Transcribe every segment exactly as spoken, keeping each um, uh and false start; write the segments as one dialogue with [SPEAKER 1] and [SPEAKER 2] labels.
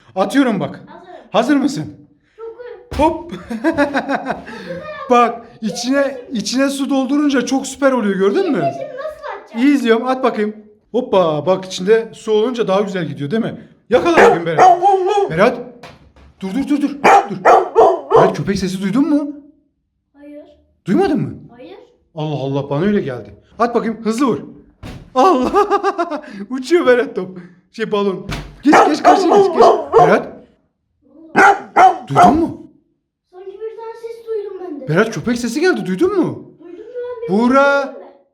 [SPEAKER 1] Atıyorum bak.
[SPEAKER 2] Hazırım.
[SPEAKER 1] Hazır mısın?
[SPEAKER 2] Çok
[SPEAKER 1] Hop. Bak içine içine su doldurunca çok süper oluyor, gördün mü?
[SPEAKER 2] Şimdi nasıl atacağım?
[SPEAKER 1] İyi izliyorum, at bakayım. Hoppa, bak içinde su olunca daha güzel gidiyor değil mi? Yakala bakayım Berat. Berat. Dur dur dur dur. Dur. Berat, köpek sesi duydun mu?
[SPEAKER 2] Hayır.
[SPEAKER 1] Duymadın mı?
[SPEAKER 2] Hayır.
[SPEAKER 1] Allah Allah, bana öyle geldi. At bakayım, hızlı vur. Allah. Uçuyor Berat top. Şey balon. Geç geç karşıya geç geç. Berat, duydun mu?
[SPEAKER 2] Sanki bir tane ses duydum ben de.
[SPEAKER 1] Berat, köpek sesi geldi, duydun mu?
[SPEAKER 2] Duydum ben de.
[SPEAKER 1] Buğra.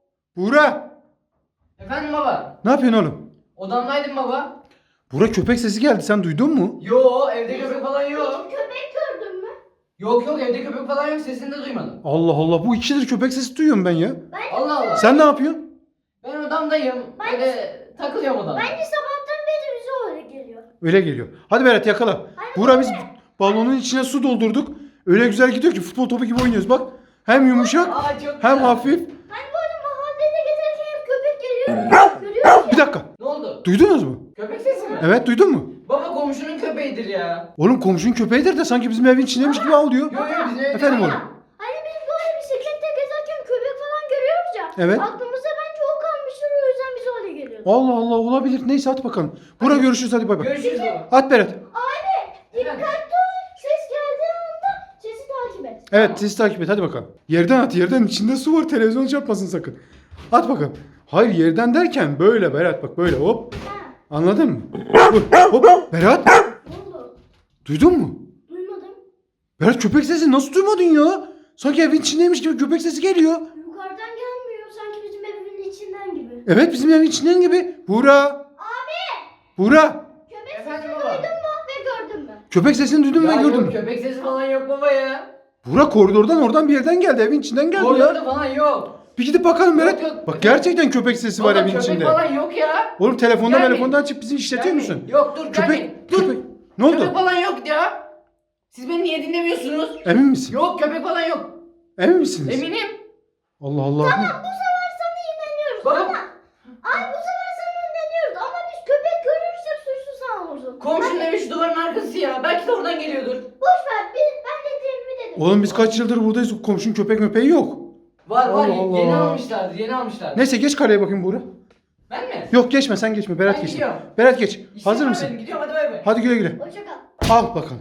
[SPEAKER 1] Buğra.
[SPEAKER 3] Efendim baba.
[SPEAKER 1] Ne yapıyorsun oğlum?
[SPEAKER 3] Odamdaydım baba.
[SPEAKER 1] Buğra, köpek sesi geldi, sen duydun mu?
[SPEAKER 3] Yo, evde köpek falan yok.
[SPEAKER 2] Köpek gördün mü?
[SPEAKER 3] Yok yok, evde köpek falan yok, sesini de duymadım.
[SPEAKER 1] Allah Allah, bu ikidir köpek sesi duyuyorum ben ya.
[SPEAKER 2] Ben
[SPEAKER 3] Allah Allah.
[SPEAKER 1] Sen ne yapıyorsun?
[SPEAKER 3] Ben odamdayım.
[SPEAKER 2] Ben-
[SPEAKER 3] Böyle takılıyorum odamda.
[SPEAKER 2] Bence sabahtan beri bize öyle geliyor.
[SPEAKER 1] Öyle geliyor. Hadi Berat, yakala. Buğra, biz balonun içine su doldurduk. Öyle güzel gidiyor ki futbol topu gibi oynuyoruz bak. Hem yumuşak
[SPEAKER 3] Aa, çok
[SPEAKER 1] hem
[SPEAKER 3] güzel.
[SPEAKER 1] hafif.
[SPEAKER 2] Hani bu arada mahallede gezerken hep köpek geliyor. Görüyoruz
[SPEAKER 1] Bir
[SPEAKER 2] ya.
[SPEAKER 1] dakika.
[SPEAKER 3] Ne oldu?
[SPEAKER 1] Duydunuz mu?
[SPEAKER 3] Köpek sesi mi?
[SPEAKER 1] Evet, duydun mu?
[SPEAKER 3] Baba komşunun köpeğidir ya.
[SPEAKER 1] Oğlum, komşunun köpeğidir de sanki bizim evin içindeymiş gibi ağlıyor.
[SPEAKER 3] Yo yo, bizim evde
[SPEAKER 1] Efendim
[SPEAKER 3] yok.
[SPEAKER 1] oğlum.
[SPEAKER 2] Hani biz böyle bisiklette gezerken köpek falan görüyoruz ya.
[SPEAKER 1] Evet.
[SPEAKER 2] Aklımıza bence o kalmıştır, o yüzden bize öyle geliyor.
[SPEAKER 1] Allah Allah, olabilir. Neyse, at bakalım. Buğra, görüşürüz, hadi bay bay.
[SPEAKER 3] Görüşürüz baba.
[SPEAKER 1] At Berat.
[SPEAKER 2] Abi dikkatli ol. Ses geldiği anda sesi takip et.
[SPEAKER 1] Evet, sizi takip et, hadi bakalım. Yerden at, yerden, içinde su var, televizyon çarpmasın sakın. At bakalım. Hayır, yerden derken böyle Berat, bak böyle hop.
[SPEAKER 2] Ha.
[SPEAKER 1] Anladın mı? Hop, hop. Berat,
[SPEAKER 2] Ne oldu?
[SPEAKER 1] duydun mu?
[SPEAKER 2] Duymadım.
[SPEAKER 1] Berat, köpek sesi nasıl duymadın ya? Sanki evin içindeymiş gibi köpek sesi geliyor.
[SPEAKER 2] Yukarıdan gelmiyor. Sanki bizim evimin içinden gibi.
[SPEAKER 1] Evet, bizim evin içinden gibi. Buğra.
[SPEAKER 2] Abi!
[SPEAKER 1] Buğra.
[SPEAKER 2] Köpek
[SPEAKER 3] Efendim
[SPEAKER 2] sesini
[SPEAKER 3] baba?
[SPEAKER 2] duydun mu ve gördün mü?
[SPEAKER 1] Köpek sesini duydun
[SPEAKER 3] Ya
[SPEAKER 1] mu, gördün
[SPEAKER 3] yok,
[SPEAKER 1] mü?
[SPEAKER 3] köpek sesi falan yok baba ya.
[SPEAKER 1] Buğra, koridordan oradan bir yerden geldi. Evin içinden geldi ya.
[SPEAKER 3] Koridorda falan yok.
[SPEAKER 1] Bir gidip bakalım Berat.
[SPEAKER 3] Yok, yok.
[SPEAKER 1] Bak, gerçekten köpek sesi var
[SPEAKER 3] Baba
[SPEAKER 1] evin
[SPEAKER 3] köpek
[SPEAKER 1] içinde.
[SPEAKER 3] falan yok ya.
[SPEAKER 1] Oğlum, telefonda
[SPEAKER 3] Gelmeyin.
[SPEAKER 1] telefondan açıp bizi işletiyor
[SPEAKER 3] Gelmeyin.
[SPEAKER 1] musun?
[SPEAKER 3] Yok dur,
[SPEAKER 1] Köpek,
[SPEAKER 3] gelmeyin. Dur.
[SPEAKER 1] köpek. Ne oldu?
[SPEAKER 3] Köpek falan yok ya. Siz beni niye dinlemiyorsunuz?
[SPEAKER 1] Emin misin?
[SPEAKER 3] Yok, köpek falan yok.
[SPEAKER 1] Emin misiniz?
[SPEAKER 3] Eminim.
[SPEAKER 1] Allah Allah.
[SPEAKER 2] Bu sefer sana inanıyoruz
[SPEAKER 3] Baba.
[SPEAKER 2] ama... Ay bu sefer sana inanıyoruz ama biz köpek görürsek suçlu sen olursun.
[SPEAKER 3] Komşunun evi şu duvarın arkası ya. Belki de oradan geliyordur.
[SPEAKER 2] Boş ver, biz, ben dediğimi dedim.
[SPEAKER 1] Oğlum, biz kaç yıldır buradayız. Komşunun köpek möpeği yok.
[SPEAKER 3] Var var,
[SPEAKER 1] Allah Allah.
[SPEAKER 3] yeni almışlardır, yeni almışlardır.
[SPEAKER 1] Neyse, geç kaleye bakayım Buğra.
[SPEAKER 3] Ben mi?
[SPEAKER 1] Yok, geçme, sen geçme. Berat
[SPEAKER 3] Ben
[SPEAKER 1] geç.
[SPEAKER 3] gidiyorum.
[SPEAKER 1] Berat geç.
[SPEAKER 3] İşim
[SPEAKER 1] Hazır
[SPEAKER 3] var
[SPEAKER 1] mısın?
[SPEAKER 3] benim, gidiyorum, hadi bay bay.
[SPEAKER 1] Hadi güle güle.
[SPEAKER 2] Hoşça kal.
[SPEAKER 1] Al bakalım.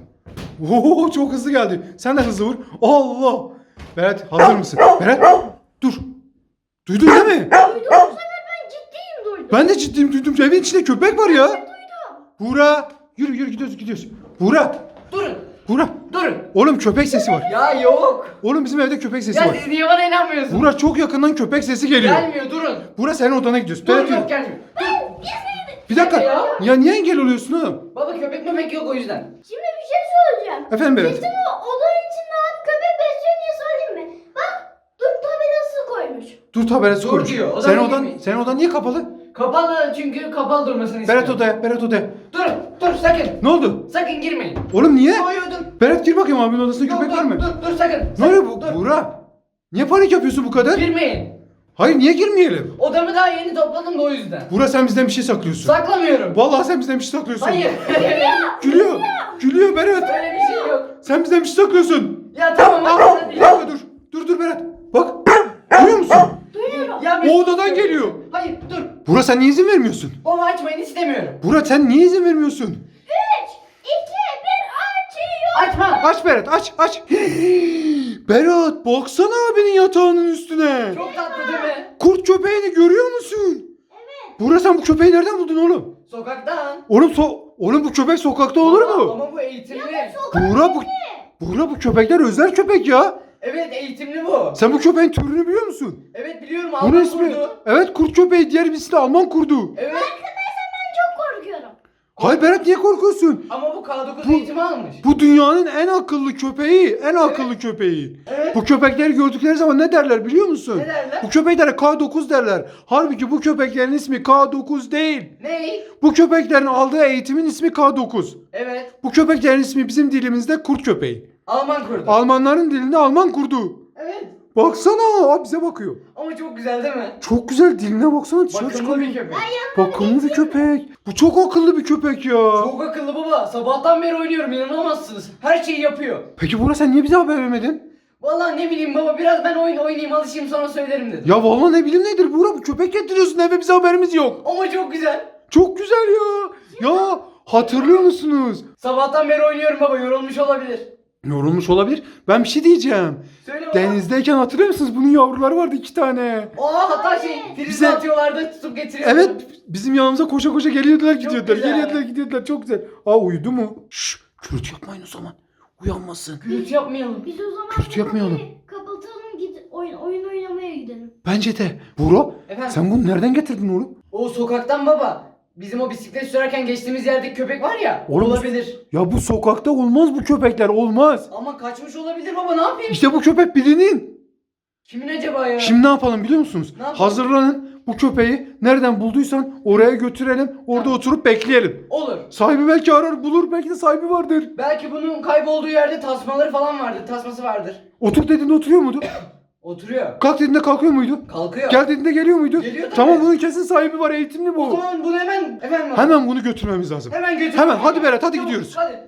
[SPEAKER 1] Oo, çok hızlı geldi. Sen de hızlı vur. Allah. Berat, hazır mısın? Berat, dur. Duydun değil mi?
[SPEAKER 2] Duydum, bu sefer ben ciddiyim duydum.
[SPEAKER 1] Ben de ciddiyim, duydum. Evin içinde köpek var ya.
[SPEAKER 2] Duydum.
[SPEAKER 1] Buğra. Yürü yürü, gidiyoruz gidiyoruz. Buğra.
[SPEAKER 3] Durun,
[SPEAKER 1] Buğra.
[SPEAKER 3] durun.
[SPEAKER 1] Oğlum, köpek sesi var.
[SPEAKER 3] Ya yok.
[SPEAKER 1] Oğlum, bizim evde köpek sesi
[SPEAKER 3] Ya
[SPEAKER 1] var.
[SPEAKER 3] siz niye bana inanmıyorsunuz?
[SPEAKER 1] Buğra, çok yakından köpek sesi geliyor.
[SPEAKER 3] Gelmiyor, durun.
[SPEAKER 1] Buğra, senin odana gidiyoruz.
[SPEAKER 3] Dur,
[SPEAKER 1] Berat, yürü.
[SPEAKER 3] yok gelmiyor. Dur.
[SPEAKER 1] Bir dakika.
[SPEAKER 3] Ya.
[SPEAKER 1] Ya niye engel oluyorsun oğlum?
[SPEAKER 3] Baba köpek mepek yok o yüzden.
[SPEAKER 2] Şimdi bir şey söyleyeceğim.
[SPEAKER 1] Efendim Berat.
[SPEAKER 2] Bizim o odanın içinde abi köpek besliyor diye söyleyeyim mi? Bak dur tabelası koymuş.
[SPEAKER 1] Dur tabelası
[SPEAKER 3] Dur
[SPEAKER 1] koymuş.
[SPEAKER 3] diyor, odana
[SPEAKER 1] Senin odan,
[SPEAKER 3] girmeyin.
[SPEAKER 1] senin odan niye kapalı?
[SPEAKER 3] Kapalı, çünkü kapalı durmasını istiyorum.
[SPEAKER 1] Berat odaya, Berat odaya.
[SPEAKER 3] Durun, dur sakın.
[SPEAKER 1] Ne oldu?
[SPEAKER 3] Sakın girmeyin.
[SPEAKER 1] Oğlum niye?
[SPEAKER 3] Yo yo dur.
[SPEAKER 1] Berat, gir bakayım, abinin odasında
[SPEAKER 3] Yok,
[SPEAKER 1] köpek
[SPEAKER 3] dur,
[SPEAKER 1] var mı?
[SPEAKER 3] Dur, dur sakın.
[SPEAKER 1] Ne
[SPEAKER 3] sakın,
[SPEAKER 1] oluyor bu?
[SPEAKER 3] Dur.
[SPEAKER 1] Buğra. Niye panik yapıyorsun bu kadar?
[SPEAKER 3] Girmeyin.
[SPEAKER 1] Hayır, niye girmeyelim?
[SPEAKER 3] Odamı daha yeni topladım da o yüzden.
[SPEAKER 1] Buğra, sen bizden bir şey saklıyorsun.
[SPEAKER 3] Saklamıyorum.
[SPEAKER 1] Vallahi sen bizden bir şey saklıyorsun.
[SPEAKER 3] Hayır.
[SPEAKER 1] Gülüyor. Gülüyor Berat.
[SPEAKER 3] Öyle bir şey yok.
[SPEAKER 1] Sen bizden bir şey saklıyorsun.
[SPEAKER 3] Ya tamam
[SPEAKER 1] Aa,
[SPEAKER 3] hadi
[SPEAKER 1] bir
[SPEAKER 3] hadi.
[SPEAKER 1] dakika dur. Dur dur Berat. Bak. Duyuyor musun?
[SPEAKER 2] Duyuyorum.
[SPEAKER 3] Ya
[SPEAKER 1] O odadan geliyor.
[SPEAKER 3] Hayır dur.
[SPEAKER 1] Buğra, sen niye izin vermiyorsun?
[SPEAKER 3] Baba açmayın, istemiyorum.
[SPEAKER 1] Buğra, sen niye izin vermiyorsun?
[SPEAKER 2] üç, iki, bir açıyor.
[SPEAKER 3] Açma.
[SPEAKER 1] Aç Berat, aç aç. Berat, baksana abinin yatağının üstüne.
[SPEAKER 3] Çok tatlı değil mi?
[SPEAKER 1] Kurt köpeğini görüyor musun? Evet. Buğra, sen bu köpeği nereden buldun oğlum?
[SPEAKER 3] Sokaktan.
[SPEAKER 1] Oğlum so Oğlum, bu köpek sokakta olur
[SPEAKER 3] Ama-
[SPEAKER 1] mu?
[SPEAKER 3] Ama bu eğitimli.
[SPEAKER 1] Buğra, bu Buğra, bu köpekler özel köpek ya.
[SPEAKER 3] Evet eğitimli bu.
[SPEAKER 1] Sen bu köpeğin türünü biliyor musun?
[SPEAKER 3] Evet biliyorum,
[SPEAKER 1] Bunun
[SPEAKER 3] Alman
[SPEAKER 1] ismi.
[SPEAKER 3] kurdu.
[SPEAKER 1] Evet, kurt köpeği, diğer birisi de Alman kurdu.
[SPEAKER 3] Evet.
[SPEAKER 2] Arkadaşlar ben çok korkuyorum.
[SPEAKER 1] Hayır Berat, niye korkuyorsun?
[SPEAKER 3] Ama bu K dokuz
[SPEAKER 1] Bu-
[SPEAKER 3] eğitimi almış.
[SPEAKER 1] Bu dünyanın en akıllı köpeği, en akıllı köpeği.
[SPEAKER 3] Evet.
[SPEAKER 1] Bu köpekleri gördükleri zaman ne derler biliyor musun?
[SPEAKER 3] Ne derler?
[SPEAKER 1] Bu köpeklere K dokuz derler. Halbuki bu köpeklerin ismi K dokuz değil.
[SPEAKER 3] Ney?
[SPEAKER 1] Bu köpeklerin aldığı eğitimin ismi K dokuz.
[SPEAKER 3] Evet.
[SPEAKER 1] Bu köpeklerin ismi bizim dilimizde kurt köpeği.
[SPEAKER 3] Alman kurdu.
[SPEAKER 1] Almanların dilinde Alman kurdu.
[SPEAKER 3] Evet.
[SPEAKER 1] Baksana abi bize bakıyor.
[SPEAKER 3] Ama çok güzel değil mi?
[SPEAKER 1] Çok güzel, diline baksana, dışarı
[SPEAKER 3] Bakımlı
[SPEAKER 1] çıkarıyor.
[SPEAKER 3] bir köpek.
[SPEAKER 1] Bakımlı bir köpek. Bu çok akıllı bir köpek ya.
[SPEAKER 3] Çok akıllı baba. Sabahtan beri oynuyorum, inanamazsınız. Her şeyi yapıyor.
[SPEAKER 1] Peki Buğra sen niye bize haber vermedin?
[SPEAKER 3] Vallahi ne bileyim baba, biraz ben oyun oynayayım, alışayım, sonra söylerim dedim.
[SPEAKER 1] Ya vallahi ne bileyim nedir Buğra, bu köpek getiriyorsun eve, bize haberimiz yok.
[SPEAKER 3] Ama çok güzel.
[SPEAKER 1] Çok güzel ya. Ya hatırlıyor musunuz?
[SPEAKER 3] Sabahtan beri oynuyorum baba, yorulmuş olabilir.
[SPEAKER 1] Yorulmuş olabilir. Ben bir şey diyeceğim.
[SPEAKER 3] Söyle baba.
[SPEAKER 1] Denizdeyken hatırlıyor musunuz? Bunun yavruları vardı iki tane.
[SPEAKER 3] Aa, hatta şey, prize
[SPEAKER 1] Bize-
[SPEAKER 3] atıyorlardı, tutup getiriyordu.
[SPEAKER 1] Evet, bizim yanımıza koşa koşa geliyordular gidiyordular.
[SPEAKER 3] güzel.
[SPEAKER 1] Geliyordular gidiyordular, çok güzel. Aa uyudu mu? Şşş, gürültü yapmayın o zaman. Uyanmasın.
[SPEAKER 3] Gürültü yapmayalım.
[SPEAKER 2] Biz o zaman
[SPEAKER 1] Kötü yapmayalım.
[SPEAKER 2] kapatalım, git oyun, oyun oynamaya gidelim.
[SPEAKER 1] Bence de. Buğra,
[SPEAKER 3] Efendim?
[SPEAKER 1] sen bunu nereden getirdin oğlum?
[SPEAKER 3] O sokaktan baba. Bizim o bisiklet sürerken geçtiğimiz yerdeki köpek var ya.
[SPEAKER 1] Oğlum-
[SPEAKER 3] olabilir.
[SPEAKER 1] Ya bu sokakta olmaz bu köpekler, olmaz.
[SPEAKER 3] Ama kaçmış olabilir baba, ne yapayım?
[SPEAKER 1] İşte bu köpek birinin.
[SPEAKER 3] Kimin acaba ya?
[SPEAKER 1] Şimdi ne yapalım biliyor musunuz?
[SPEAKER 3] Ne yapalım?
[SPEAKER 1] Hazırlanın, bu köpeği nereden bulduysan oraya götürelim. Orada
[SPEAKER 3] Tamam.
[SPEAKER 1] oturup bekleyelim.
[SPEAKER 3] Olur.
[SPEAKER 1] Sahibi belki arar bulur, belki de sahibi vardır.
[SPEAKER 3] Belki bunun kaybolduğu yerde tasmaları falan vardır. Tasması vardır.
[SPEAKER 1] Otur dediğinde oturuyor muydu?
[SPEAKER 3] Oturuyor.
[SPEAKER 1] Kalk dediğinde kalkıyor muydu?
[SPEAKER 3] Kalkıyor.
[SPEAKER 1] Gel dediğinde geliyor muydu?
[SPEAKER 3] Geliyor tabii.
[SPEAKER 1] Tamam, bunun kesin sahibi var, eğitimli
[SPEAKER 3] O
[SPEAKER 1] bu.
[SPEAKER 3] zaman bunu hemen efendim.
[SPEAKER 1] Hemen bunu götürmemiz lazım.
[SPEAKER 3] Hemen götür.
[SPEAKER 1] Hemen, hadi Berat, hadi
[SPEAKER 3] Tamam,
[SPEAKER 1] gidiyoruz.
[SPEAKER 3] Hadi.